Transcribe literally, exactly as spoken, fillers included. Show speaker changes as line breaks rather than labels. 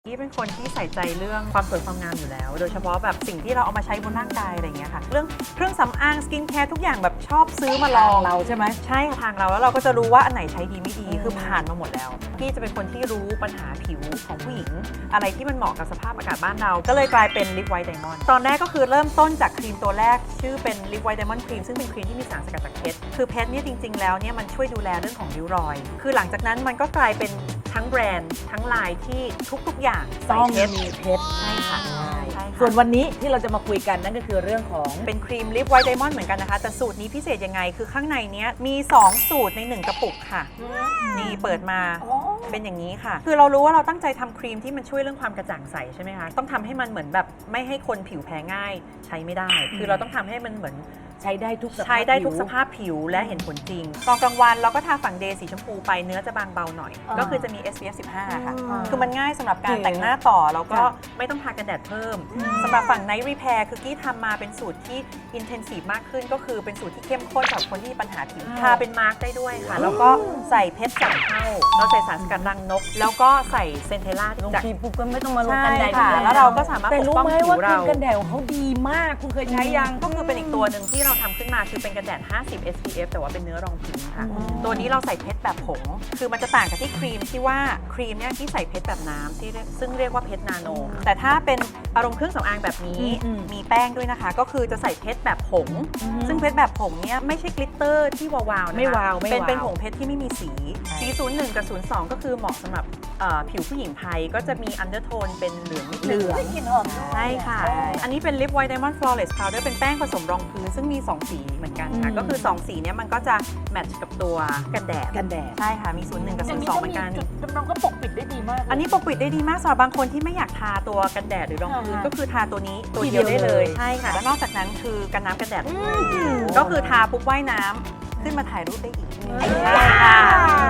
ที่เป็นคนที่ใส่ใจเรื่องความสวยความงามอยู่แล้วโดยเฉพาะแบบสิ่งที่เราเอามาใช้บนร่างกายอะไรอย่างเงี้ยค่ะเรื่องเครื่องสำอางสกินแคร์ทุกอย่างแบบชอบซื้อมาลอง
เราใช่ไหม
ใช่ทางเราแล้วเราก็จะรู้ว่าอันไหนใช้ดีไม่ดีคือผ่านมาหมดแล้วพี่จะเป็นคนที่รู้ปัญหาผิวของผู้หญิงอะไรที่มันเหมาะกับสภาพอากาศบ้านเราก็เลยกลายเป็นลิปไวท์ไดมอนด์ตอนแรกก็คือเริ่มต้นจากครีมตัวแรกชื่อเป็นลิปไวท์ไดมอนด์ครีมซึ่งเป็นครีมที่มีสารสกัดจากเพชรคือเพชรเนี่ยจริงๆแล้วเนี่ยมันช่วยดูแลเรื่องของริ้วรอยคือหลังจากนั้นมันก็กลายเป็นทั้งแบรนด์ทั้งลายที่ทุกๆอย่างใส่
ต้อง
เพชร
มีเพชร
ใช่ค่ะใช่
ส่วนวันนี้ที่เราจะมาคุยกันนั่นก็คือเรื่องของ
เป็นครีมลิปไวท์ไดมอนด์เหมือนกันนะคะแต่สูตรนี้พิเศษยังไงคือข้างในเนี้ยมีสองสูตรในหนึ่งกระปุกค่ะนี่เปิดมาเป็นอย่างนี้ค่ะคือเรารู้ว่าเราตั้งใจทำครีมที่มันช่วยเรื่องความกระจ่างใสใช่ไหมคะต้องทำให้มันเหมือนแบบไม่ให้คนผิวแพ้ง่ายใช้ไม่ได้ คือเราต้องทำให้มันเหมือน
ใช้ได้ทุกสภาพ
ใช้ได้ทุกสภาพผิวและเห็นผลจริงตอนกลางวันเราก็ทาฝั่งเดย์สีชมพูไปเนื้อจะบางเบาหน่อยก็คือจะมี เอส พี เอฟ สิบห้า ค่ะคือมันง่ายสำหรับการแต่งหน้าต่อแล้วก็ไม่ต้องทากันแดดเพิ่มสำหรับฝั่ง Night Repair คือกี้ทำมาเป็นสูตรที่ intensive มากขึ้นก็คือเป็นสูตรที่เข้มข้นสำหรับคนที่มีปัญหาผิวทาเป็นมาร์กได้ด้วยค่ะแล้วก็ใส่เพชรสามเท่าเราใส่สารสกัดรังนกแล้วก็ใส่เซนเทล่า
ลง
จาก
ครีมปุ๊บก็ไม่ต้องมาลงกันแดด
ค่ะแล้วเราก็สามารถ
แต่
ปก
รู้
ป้อง
ไหม
ผิ
ว่าว ครี
เรา
มกันแดดของเขาดีมากคุณเคยใช้ยัง
ก็คือเป็นอีกตัวหนึ่งที่เราทำขึ้นมาคือเป็นกันแดด ห้าสิบ เอส พี เอฟ แต่ว่าเป็นเนื้อรองพื้นค่ะตัวนี้เราใส่เพชรแบบผงคือมันจะต่างกับที่ครีมที่ว่าครีมเนี่ยที่ใส่เพชรแบบน้ำที่เรียกซึ่งเรียกว่าเพชรนาโนแต่ถ้าเป็นอารมณ์เครื่องสำอางแบบนี้มีแป้งด้วยนะคะก็คือจะใส่เพชรแบบผงซึ่งเพชรแบบผงเนี่ยไม่ใช่กลิตเตอร์ที่วาวๆนะคะ
ไม่วาวไม่วาว
เป็นเป็นผงเพชรที่ไม่มีสีสี ศูนย์หนึ่ง กับ ศูนย์สอง ก็คือเหมาะสำหรับเอ่อผิวผู้หญิงไทยก็จะมีอันเดอร์โทนเป็นเหลืองนิดนึง
กลิ่นหอม
ใช่ค่ะ อันนี้เป็น Lip White Diamond Flawless Powder เป็นแป้งผสมรองพื้นซึ่งมี สอง สีเหมือนกันค่ะ ก็คือ สอง สีเนี้ยมันก็จะแมทช์กับตัวกันแดด
กันแดด
ใช่ค่ะ มี ศูนย์หนึ่ง กับ ศูนย์สอง เหมือนกัน
จุดดำรงก็ปกปิดได้ดีมาก
อันนี้ปกปิดได้ดีมากสำหรับบางคนที่ไม่อยากทาตัวกันแดดหรือรองพื้น
อ่าฮะ
ก็คือทาตัวนี้ตัว
ทีเดี
เดีย
ยว ว
ได้เลย
เลย
ใช่ค่ะ แล้วนอกจากนั้นคือกันน้ำกันแดดก็คือทาปุ๊บว่ายน้ำขึ้นมาถ่ายรูปได้อีกใช่ค่ะ